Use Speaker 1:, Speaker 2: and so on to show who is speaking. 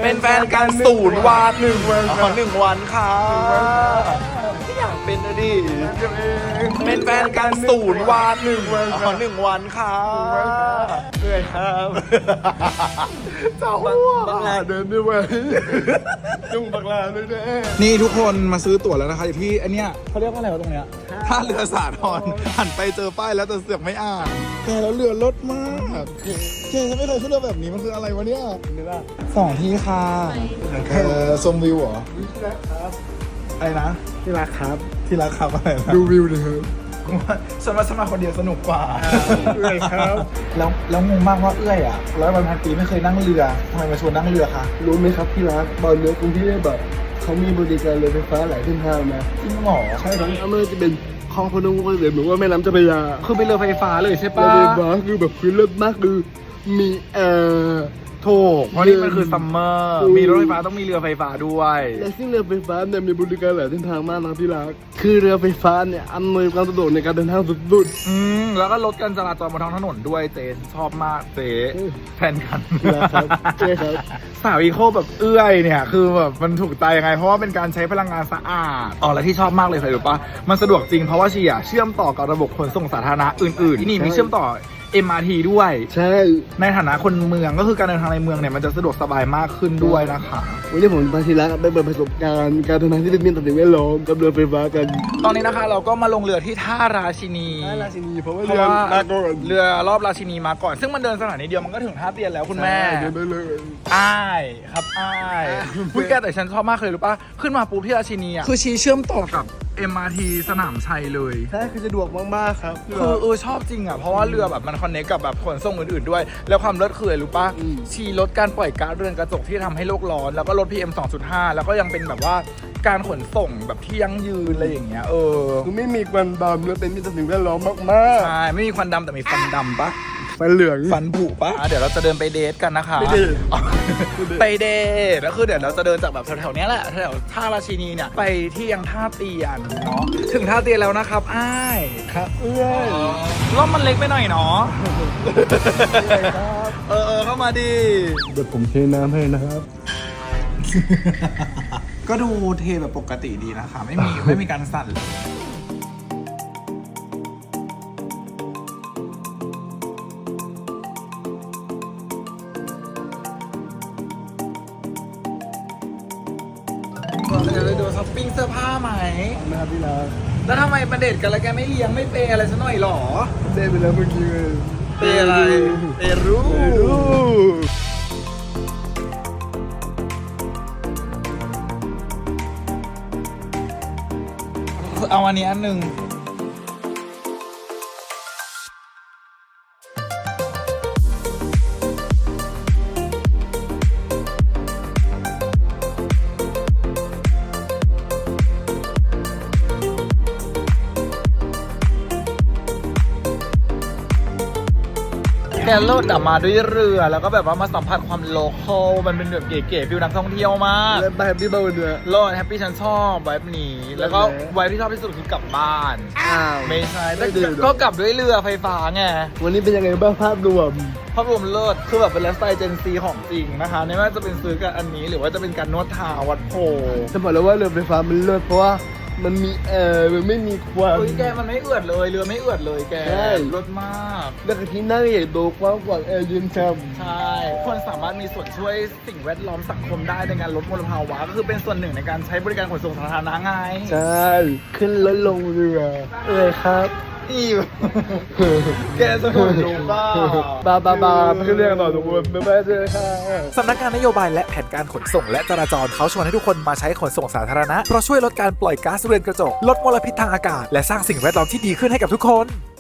Speaker 1: เป็นแฟนกัน0 วัน1 วันค่ะไม่อยากเป็นนะดิเป็นแฟนกัน0 วัน1 วันค่ะเหนื่อยครับเจ้าบังลาเดินด้วย จุงบังลาด้วยแน่นี่ทุกคนมาซื้อตั๋วแล้วนะคะอยู่ที่อันเนี้ยเขาเรียกว่าอะไรวะตรงเนี้ยท่าเรือสาทรหันไปเจอป้ายแล้วแต่เสือกไม่อ่านแกแล้วเรือลดมากแกฉันไม่เคยขึ้นเรือแบบนี้มันคืออะไรวะเนี่ย2 ที่ค่ะชมวิวเหรออะไรนะที่รักครับที่รักครับอะไรนะดูวิวเลยครับฉันว่าฉันมาคนเดียวสนุกกว่าเอื้อยครับแล้วงงมากว่าเอื้อยอ่ะ100 วันพันปีไม่เคยนั่งเรือทำไมมาชวนนั่งเรือคะ
Speaker 2: รู้ไหมครับที่รักตอนนี้กรุงเทพแบบเขามีบริการเรือไฟฟ้าหลายเส้นทางนะ
Speaker 1: จริงเหรอ
Speaker 2: ใช่ครับไม่ว่าจะเป็นคลองพนมก็เลยหรือว่าแม่น้ำเจ้าพระยา
Speaker 1: คือเป็นเรือไฟฟ้าเลยใช่ปะ
Speaker 2: เรือไฟฟ้าคือแบบคือเลิศมากคือมี
Speaker 1: ถูกเพราะนี่มันคือซัมเมอร์มีรถไฟฟ้าต้องมีเรือไฟฟ้าด้วย
Speaker 2: และซึ่งเรือไฟฟ้าเนี่ยมีบริการหลายเส้นทางมากนะครับที่รักคือเรือไฟฟ้าเนี่ยอำนวยความสะดวกในการเดินทางสุด
Speaker 1: ๆแล้วก็ลดการจราจรบนท้องถนนด้วยเจ๊ชอบมากเจ๊แทนกัน
Speaker 2: นะครับใช่ครับ
Speaker 1: สาวอีโคแบบเอื้อยเนี่ยคือแบบมันถูกใจยังไงเพราะว่าเป็นการใช้พลังงานสะอาดและที่ชอบมากเลยใครรู้ปะมันสะดวกจริงเพราะว่าเชื่อมต่อกับระบบขนส่งสาธารณะอื่นๆที่นี่มีเชื่อมต่อMRT ด้วย
Speaker 2: ใช่
Speaker 1: ในฐานะคนเมืองก็คือการเดินทางในเมืองเนี่ยมันจะสะดวกสบายมากขึ้นด้วยนะคะ
Speaker 2: วันนี้ผมมาทีละไปเปิดประสบการณ์การเดินทางที่เป็นมิตรต่อสิ่งแวดล้อมกับเรือไฟฟ้ากัน
Speaker 1: ตอนนี้นะคะเราก็มาลงเรือที่ท่าราชินี
Speaker 2: เพราะว่าเรือมาก่อน
Speaker 1: เรือรอบราชินีมาก่อนซึ่งมันเดินสถานีเดียวมันก็ถึงท่าเตียนแล้วคุณแม่
Speaker 2: เดินได้เลย
Speaker 1: อ้ายครับอ้ายคุยแกแต่ฉันชอบมากเลยรู้ป่ะขึ้นมาปุ๊บที่ราชินีอ่ะคือเชื่อมต่อกับMRT สนามชัยเลย
Speaker 2: ใช่คือสะดวกมากๆครับ
Speaker 1: คือชอบจริงอ่ะเพราะว่าเรือแบบมันคอนเนคกับแบบขนส่งอื่นๆด้วยแล้วความเลิศคืออะไรรู้ป่ะลดการปล่อยก๊าซเรือนกระจกที่ทำให้โลกร้อนแล้วก็ลด PM 2.5 แล้วก็ยังเป็นแบบว่าการขนส่งแบบที่ยั่งยืนอะไรอย่างเงี้ย
Speaker 2: คือไม่มีควันดำแล้วเป็นมิตรต่อสิ่งแวดล้อมมาก
Speaker 1: ๆใช่ไม่มีควันดำแต่มีฟันดำปะ
Speaker 2: ฟันเหลือง
Speaker 1: ฟันผุปะเดี๋ยวเราจะเดินไปเดทกันนะคะไปเดทแล้วคือเดี๋ยวเราจะเดินจากแบบแถวๆนี้แหละแถวท่าราชินีเนี่ยไปที่ยังท่าเตียนเนาะถึงท่าเตียนแล้วนะครับอ้าย
Speaker 2: ครับเอื้อย
Speaker 1: รอบมันเล็กไปหน่อยเนาะเข้ามาดิ
Speaker 2: เดี๋ยวผมเทน้ำให้นะครับ
Speaker 1: ก็ดูเทแบบปกติดีนะคะไม่มีการสั่นเลยจะไปดูช้อปปิ้งเสื้อผ้าไหม
Speaker 2: นะครับพี่รัก
Speaker 1: แล้วทำไมประเด็ดกันแล้วแกไม่เลี้ยงไม่เปย์อะไรซะหน่อยหรอ
Speaker 2: เปย์ไปแล้วเมื่อกี้เลย
Speaker 1: เปย์อะไรเปย์รู้เอาอันนี้อันหนึ่งแกโลดมาด้วยเรือแล้วก็แบบว่ามาสัมผัสความโลคอลมันเป็นแบบเก๋ๆฟิลนักท่องเที่ยวมาก
Speaker 2: แล้วแฮปปี้บ้างเลย
Speaker 1: โลดแฮปปี้ฉันชอบไวบ์นี้แล้วก็ไวบ์ที่ชอบที่สุดคือกลับบ้านไม่ใช่ก็กลับด้วยเรือไฟฟ้าไง
Speaker 2: วันนี้เป็นยังไงบ้างภาพรวม
Speaker 1: เลิศคือแบบเป็นไลฟ์สไตล์เจนซีของจริงนะคะไม่ว่าจะเป็นซื้อกันอันนี้หรือว่าจะเป็นการนวดเท้าวัดโพ
Speaker 2: จะบอกแล้วว่าเรือไฟฟ้ามันเลิศเพราะว่ามันมีมันไม่มีควัน
Speaker 1: แกมันไม่เอือดเลยเรือไม่เอือดเลยแกรถมาก
Speaker 2: แล้วก็ที่นั่งใหญ่โตกว้างกว่าแอร์เย็นช่
Speaker 1: ำใช่คนสามารถมีส่วนช่วยสิ่งแวดล้อมสังคมได้ในการลดมลภาวะก็คือเป็นส่วนหนึ่งในการใช้บริการขนส่งสาธารณะไง
Speaker 2: ใช่ขึ้นรถลงเรือครับ
Speaker 1: แกสนุกดู
Speaker 2: บ้าไม่เรื่องต่อทุกคนไม่เจอค่ะ
Speaker 3: สำนักงานนโยบายและแผนการขนส่งและจราจรเขาชวนให้ทุกคนมาใช้ขนส่งสาธารณะเพราะช่วยลดการปล่อยก๊าซเรือนกระจกลดมลพิษทางอากาศและสร้างสิ่งแวดล้อมที่ดีขึ้นให้กับทุกคน